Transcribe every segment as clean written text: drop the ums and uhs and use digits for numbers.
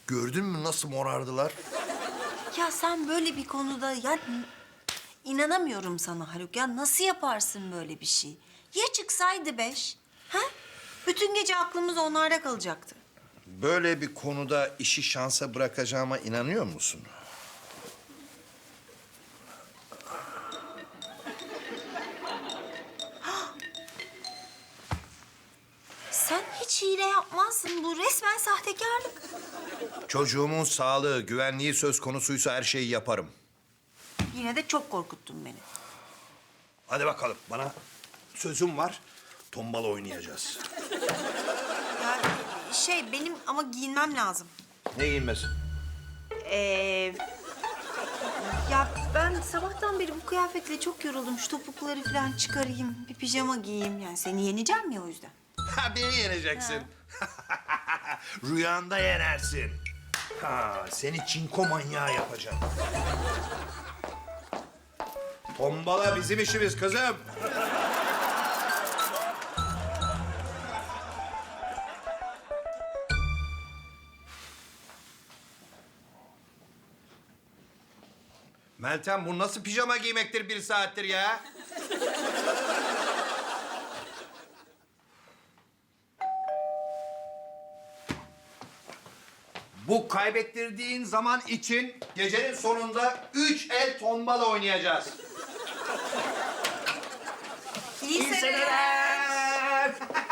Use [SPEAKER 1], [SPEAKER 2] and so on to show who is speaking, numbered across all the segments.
[SPEAKER 1] Gördün mü nasıl morardılar?
[SPEAKER 2] Ya sen böyle bir konuda ya inanamıyorum sana Haluk. Ya nasıl yaparsın böyle bir şey? Ya çıksaydı 5? Ha? Bütün gece aklımız onlarda kalacaktı.
[SPEAKER 1] Böyle bir konuda işi şansa bırakacağıma inanıyor musun?
[SPEAKER 2] Sen hiç hile yapmazsın. Bu resmen sahtekarlık.
[SPEAKER 1] Çocuğumun sağlığı, güvenliği söz konusuysa her şeyi yaparım.
[SPEAKER 2] Yine de çok korkuttun beni.
[SPEAKER 1] Hadi bakalım, bana sözüm var. Tombala oynayacağız.
[SPEAKER 2] Ya benim ama giyinmem lazım.
[SPEAKER 1] Ne giyinmesi?
[SPEAKER 2] Ya ben sabahtan beri bu kıyafetle çok yoruldum. Şu topukları falan çıkarayım, bir pijama giyeyim. Yani seni yeneceğim ya o yüzden.
[SPEAKER 1] Ha, beni yeneceksin. Rüyanda yenersin. Ha, seni çinko manyağı yapacağım. Tombala bizim işimiz kızım. Meltem, bu nasıl pijama giymektir 1 saattir ya? Bu kaybettirdiğin zaman için gecenin sonunda 3 el tombala oynayacağız.
[SPEAKER 2] İyi seneler.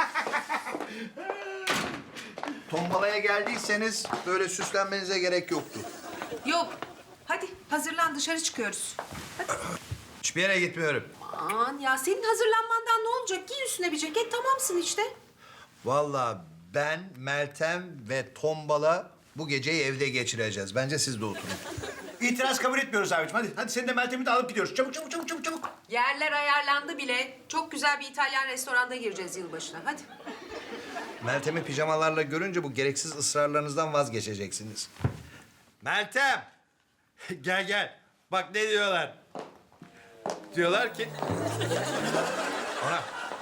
[SPEAKER 1] Tombalaya geldiyseniz böyle süslenmenize gerek yoktu.
[SPEAKER 3] Yok. Hadi hazırlan dışarı çıkıyoruz.
[SPEAKER 1] Hiçbir yere gitmiyorum.
[SPEAKER 3] Aman ya senin hazırlanmandan ne olacak? Giy üstüne bir ceket tamamsın işte.
[SPEAKER 1] Vallahi ben, Meltem ve Tombala bu geceyi evde geçireceğiz. Bence siz de oturun.
[SPEAKER 4] İtiraz kabul etmiyoruz abiciğim. Hadi seni de Meltem'i de alıp gidiyoruz. Çabuk.
[SPEAKER 3] Yerler ayarlandı bile. Çok güzel bir İtalyan restoranda gireceğiz yılbaşına. Hadi.
[SPEAKER 1] Meltem'i pijamalarla görünce bu gereksiz ısrarlarınızdan vazgeçeceksiniz. Meltem! Gel. Bak ne diyorlar. Diyorlar ki... Ana,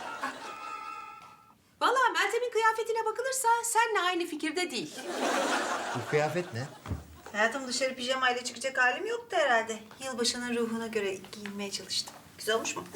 [SPEAKER 3] Vallahi Meltem'in kıyafetine bakılırsa seninle aynı fikirde değil.
[SPEAKER 1] bu kıyafet ne?
[SPEAKER 2] Hayatım dışarı pijamayla çıkacak halim yoktu herhalde. Yılbaşının ruhuna göre giyinmeye çalıştım. Güzel olmuş mu?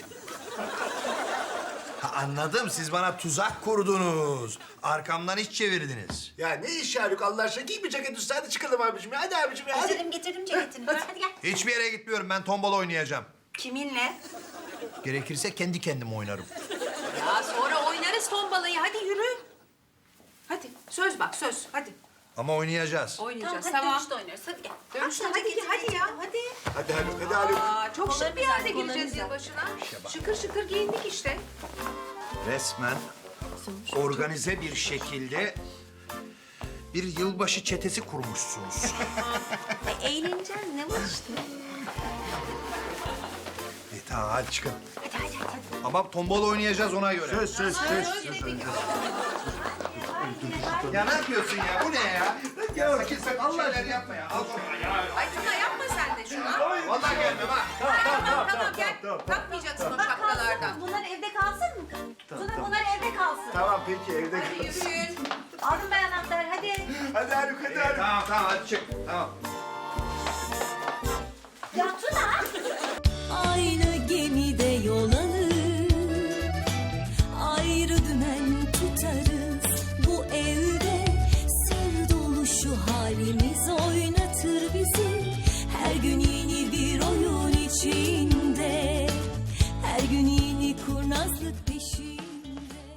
[SPEAKER 1] Ha, anladım. Siz bana tuzak kurdunuz. Arkamdan iş çevirdiniz.
[SPEAKER 4] Ya ne iş ya Haluk Allah aşkına? Giy bir ceket üstüne hadi çıkalım abiciğim ya. Hadi abiciğim ya hadi.
[SPEAKER 2] Getirdim ceketini. Hadi gel.
[SPEAKER 1] Hiçbir yere gitmiyorum. Ben tombala oynayacağım.
[SPEAKER 2] Kiminle?
[SPEAKER 1] Gerekirse kendi kendime oynarım.
[SPEAKER 3] Ya sonra oynarız tombalayı. Hadi yürü. Hadi söz bak söz. Hadi
[SPEAKER 1] Ama oynayacağız.
[SPEAKER 3] oynayacağız.
[SPEAKER 2] hadi
[SPEAKER 3] Tamam.
[SPEAKER 2] dönüşte oynarız. Hadi gel.
[SPEAKER 3] Dönüşte
[SPEAKER 2] Bak,
[SPEAKER 3] hadi ya hadi.
[SPEAKER 4] Hadi Haluk.
[SPEAKER 3] Aa, çok şık bir yerde
[SPEAKER 2] Kollarını
[SPEAKER 3] gireceğiz
[SPEAKER 2] güzel.
[SPEAKER 3] yılbaşına. Şıkır şıkır giyindik işte.
[SPEAKER 1] Resmen organize bir şekilde bir yılbaşı çetesi kurmuşsunuz.
[SPEAKER 2] Eğleneceğiz. Ne var işte?
[SPEAKER 1] Tamam hadi çıkın. Ama tombala oynayacağız ona göre.
[SPEAKER 4] Söz.
[SPEAKER 1] Ya ne yapıyorsun ya? Bu ne ya? Ya sakın Allah aşkına yapma ya. Al şunu ya.
[SPEAKER 3] Ay Tuna yapma sen de şunu.
[SPEAKER 1] Vallahi gelmem ha.
[SPEAKER 3] Tamam gel. Takmayacaksın o şapkalardan.
[SPEAKER 2] Bunlar evde kalsın mı? Tuna bunlar evde kalsın.
[SPEAKER 4] Tamam peki evde
[SPEAKER 3] Hadi yürüyün.
[SPEAKER 2] Aldım ben anahtarı hadi.
[SPEAKER 4] Hadi Haluk hadi.
[SPEAKER 1] Tamam hadi çık. Tamam.
[SPEAKER 2] Ya Tuna.
[SPEAKER 5] Aynı gemide yol alır, ayrı dümen tutarız. Bu evde sır dolu şu halimiz oynatır bizi. Her gün yeni bir oyun içinde, her gün yeni kurnazlık peşinde.